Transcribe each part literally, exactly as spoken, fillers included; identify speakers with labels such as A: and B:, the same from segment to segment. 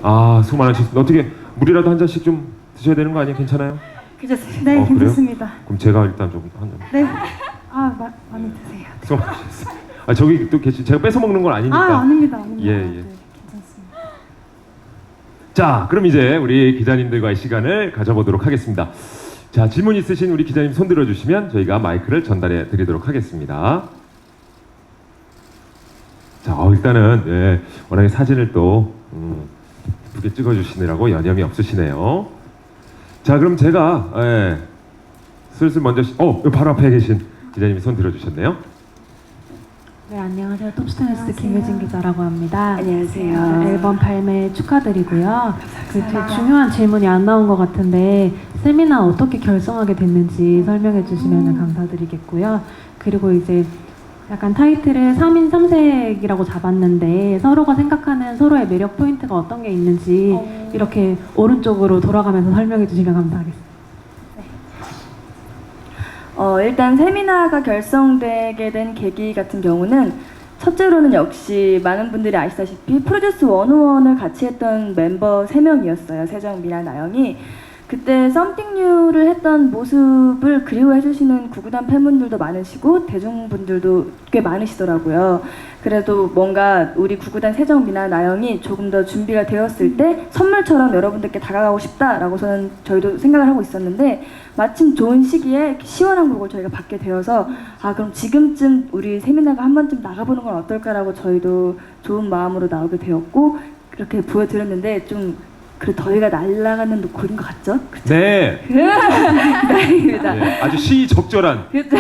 A: 아, 수고 많으셨습니다. 어떻게 물이라도 한 잔씩 좀 드셔야 되는 거 아니에요? 괜찮아요?
B: 괜찮습니다.
C: 네,
A: 어, 그래요?
C: 괜찮습니다.
A: 그럼 제가 일단 좀 한 잔.
C: 네. 아, 마, 많이 드세요.
A: 수고 많으셨어요. 아, 저기 또 계시 제가 뺏어 먹는 건 아니니까.
C: 아, 아닙니다. 아닙니다.
A: 예, 예.
C: 네, 괜찮습니다.
A: 자, 그럼 이제 우리 기자님들과의 시간을 가져보도록 하겠습니다. 자, 질문 있으신 우리 기자님 손 들어주시면 저희가 마이크를 전달해 드리도록 하겠습니다. 자, 어, 일단은 예, 워낙에 사진을 또 음, 예쁘게 찍어주시느라고 여념이 없으시네요. 자, 그럼 제가 예, 슬슬 먼저 시, 어, 여기 바로 앞에 계신 기자님이 손 들어주셨네요.
D: 네, 안녕하세요. 톱스타뉴스
C: 안녕하세요.
D: 김효진 기자라고 합니다.
B: 안녕하세요.
D: 네, 앨범 발매 축하드리고요. 그 되게 중요한 질문이 안 나온 것 같은데 세미나 어떻게 결성하게 됐는지 설명해 주시면 감사드리겠고요. 그리고 이제 약간 타이틀을 삼인 삼색이라고 잡았는데 서로가 생각하는 서로의 매력 포인트가 어떤 게 있는지
C: 어.
D: 이렇게 오른쪽으로 돌아가면서 설명해 주시면 감사하겠습니다.
B: 어, 일단 세미나가 결성되게 된 계기 같은 경우는 첫째로는 역시 많은 분들이 아시다시피 프로듀스 백일을 같이 했던 멤버 세 명이었어요. 세정, 미나, 나영이. 그때 썸띵 뉴를 했던 모습을 그리워해 주시는 구구단 팬분들도 많으시고 대중분들도 꽤 많으시더라고요. 그래도 뭔가 우리 구구단 세정, 미나, 나영이 조금 더 준비가 되었을 때 선물처럼 여러분들께 다가가고 싶다라고 저는 저희도 생각을 하고 있었는데 마침 좋은 시기에 시원한 곡을 저희가 받게 되어서 아 그럼 지금쯤 우리 세미나가 한 번쯤 나가보는 건 어떨까라고 저희도 좋은 마음으로 나오게 되었고 그렇게 보여드렸는데 좀 그 더위가 날아가는 곡인 것 같죠? 그쵸?
A: 네.
B: 다행입니다.
A: 네, 아주 시적절한
B: 그렇죠.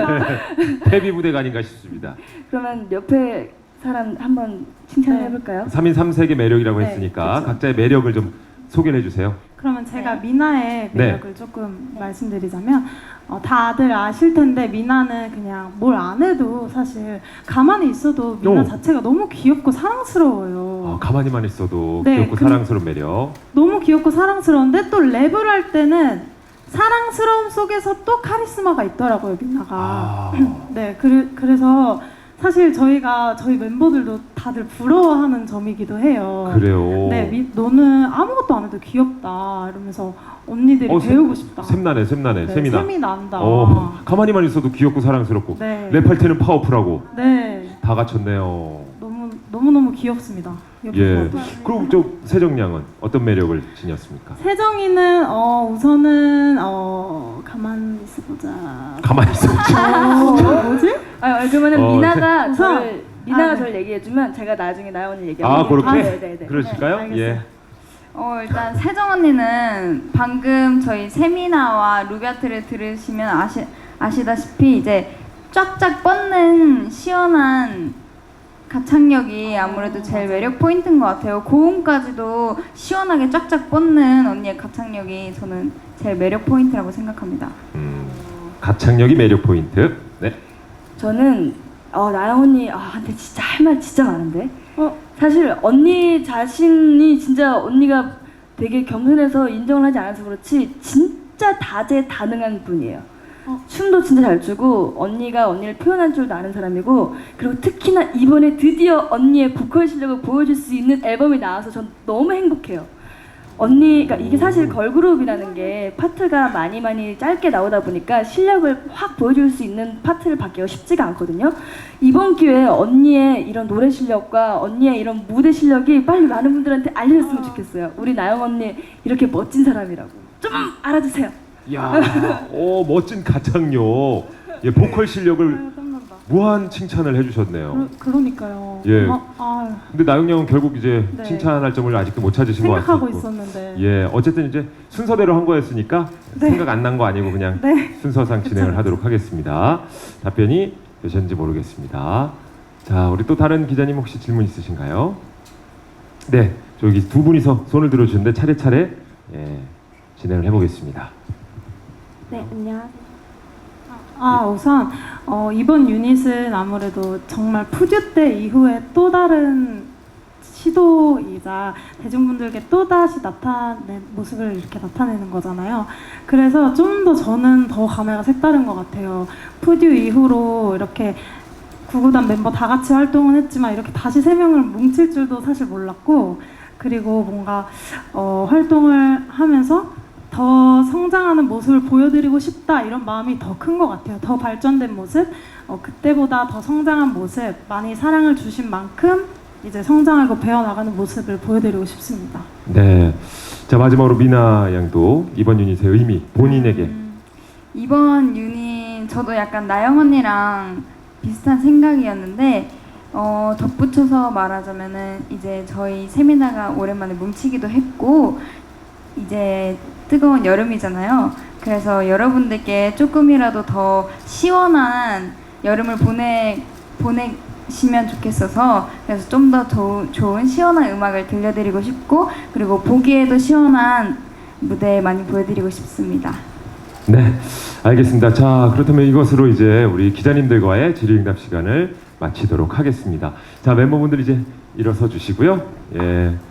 A: 데뷔 무대가 아닌가 싶습니다.
B: 그러면 옆에 사람 한번 칭찬을
C: 네.
B: 해볼까요?
A: 삼인 삼색의 매력이라고
B: 네,
A: 했으니까
B: 그쵸.
A: 각자의 매력을 좀 소개를 해주세요.
C: 그러면 제가
B: 네.
C: 미나의
A: 네.
C: 매력을 조금 말씀드리자면 어, 다들 아실 텐데 미나는 그냥 뭘 안 해도 사실 가만히 있어도 미나
A: 오.
C: 자체가 너무 귀엽고 사랑스러워요.
A: 아, 가만히만 있어도
C: 네,
A: 귀엽고
C: 그-
A: 사랑스러운 매력.
C: 너무 귀엽고 사랑스러운데 또 랩을 할 때는 사랑스러움 속에서 또 카리스마가 있더라고요, 미나가.
A: 아,
C: 네, 그래, 그래서 사실 저희가 저희 멤버들도 다들 부러워하는 점이기도 해요.
A: 그래요.
C: 네, 미, 너는 아무것도 안 해도 귀엽다 이러면서 언니들이
A: 어, 샘-
C: 배우고 싶다.
A: 샘나네, 샘나네,
C: 네,
A: 샘이나.
C: 샘이 난다.
A: 어, 가만히만 있어도 귀엽고 사랑스럽고
C: 네.
A: 랩할 때는 파워풀하고
C: 네,
A: 다 갖췄네요.
C: 너무 너무 너무 귀엽습니다.
A: 예.
C: 옆에서.
A: 그리고 저 세정양은 어떤 매력을 지녔습니까?
C: 세정이는 어 우선은 어 가만 있어보자.
A: 가만히 있어.
C: 어, 뭐지?
B: 아, 그러면은
A: 어,
B: 미나가
C: 세-
B: 저를 미나가
C: 아, 네.
B: 저를 얘기해주면 제가 나중에 나연 언니 얘기하면
A: 아, 그렇게?
B: 네, 네, 네.
A: 그러실까요?
C: 네,
A: 예.
C: 알겠어요.
E: 어 일단 세정 언니는 방금 저희 세미나와 루비아트를 들으시면 아시 아시다시피 이제 쫙쫙 뻗는 시원한 가창력이 아무래도 제일 매력 포인트인 것 같아요. 고음까지도 시원하게 쫙쫙 뻗는 언니의 가창력이 저는 제일 매력 포인트라고 생각합니다.
A: 음, 가창력이 매력 포인트. 네.
B: 저는 어, 나연 언니 아 근데 진짜 할 말 진짜 많은데
C: 어,
B: 사실 언니 자신이 진짜 언니가 되게 겸손해서 인정을 하지 않아서 그렇지 진짜 다재다능한 분이에요.
C: 어.
B: 춤도 진짜 잘 추고 언니가 언니를 표현할 줄도 아는 사람이고 그리고 특히나 이번에 드디어 언니의 보컬 실력을 보여줄 수 있는 앨범이 나와서 전 너무 행복해요. 언니, 그러니까 이게 사실 걸그룹이라는 게 파트가 많이 많이 짧게 나오다 보니까 실력을 확 보여줄 수 있는 파트를 받기가 쉽지가 않거든요. 이번 기회에 언니의 이런 노래 실력과 언니의 이런 무대 실력이 빨리 많은 분들한테 알려졌으면 좋겠어요. 우리 나영 언니 이렇게 멋진 사람이라고 좀 알아주세요.
A: 야, 오 멋진 가창력. 예, 보컬 실력을
C: 아유, 땀난다.
A: 무한 칭찬을 해주셨네요.
C: 그러, 그러니까요.
A: 예.
C: 아, 아,
A: 근데 나영 양은 결국 이제
C: 네.
A: 칭찬할 점을 아직도 못 찾으신 것
C: 생각하고
A: 같고.
C: 있었는데.
A: 예, 어쨌든 이제 순서대로 한 거였으니까
C: 네.
A: 생각 안 난 거 아니고 그냥
C: 네.
A: 순서상 진행을
C: 괜찮아요.
A: 하도록 하겠습니다. 답변이 되셨는지 모르겠습니다. 자, 우리 또 다른 기자님 혹시 질문 있으신가요? 네, 저기 두 분이서 손을 들어주는데 차례차례 예, 진행을 해보겠습니다.
D: 네, 안녕하세요.
C: 아 우선 어, 이번 유닛은 아무래도 정말 푸듀 때 이후에 또 다른 시도이자 대중분들께 또 다시 나타낸 모습을 이렇게 나타내는 거잖아요. 그래서 좀 더 저는 더 감회가 색다른 것 같아요. 푸듀 이후로 이렇게 구구단 멤버 다 같이 활동은 했지만 이렇게 다시 세 명을 뭉칠 줄도 사실 몰랐고 그리고 뭔가 어, 활동을 하면서 더 성장하는 모습을 보여드리고 싶다 이런 마음이 더 큰 것 같아요. 더 발전된 모습, 어, 그때보다 더 성장한 모습, 많이 사랑을 주신 만큼 이제 성장하고 배워나가는 모습을 보여드리고 싶습니다.
A: 네. 자, 마지막으로 미나 양도 이번 유닛의 의미 본인에게.
E: 음, 이번 유닛 저도 약간 나영 언니랑 비슷한 생각이었는데 어, 덧붙여서 말하자면은 이제 저희 세미나가 오랜만에 뭉치기도 했고 이제 뜨거운 여름이잖아요. 그래서 여러분들께 조금이라도 더 시원한 여름을 보내 보내시면 좋겠어서 그래서 좀 더 좋은 시원한 음악을 들려드리고 싶고 그리고 보기에도 시원한 무대 많이 보여드리고 싶습니다.
A: 네, 알겠습니다. 자, 그렇다면 이것으로 이제 우리 기자님들과의 질의응답 시간을 마치도록 하겠습니다. 자, 멤버분들 이제 일어서 주시고요. 예.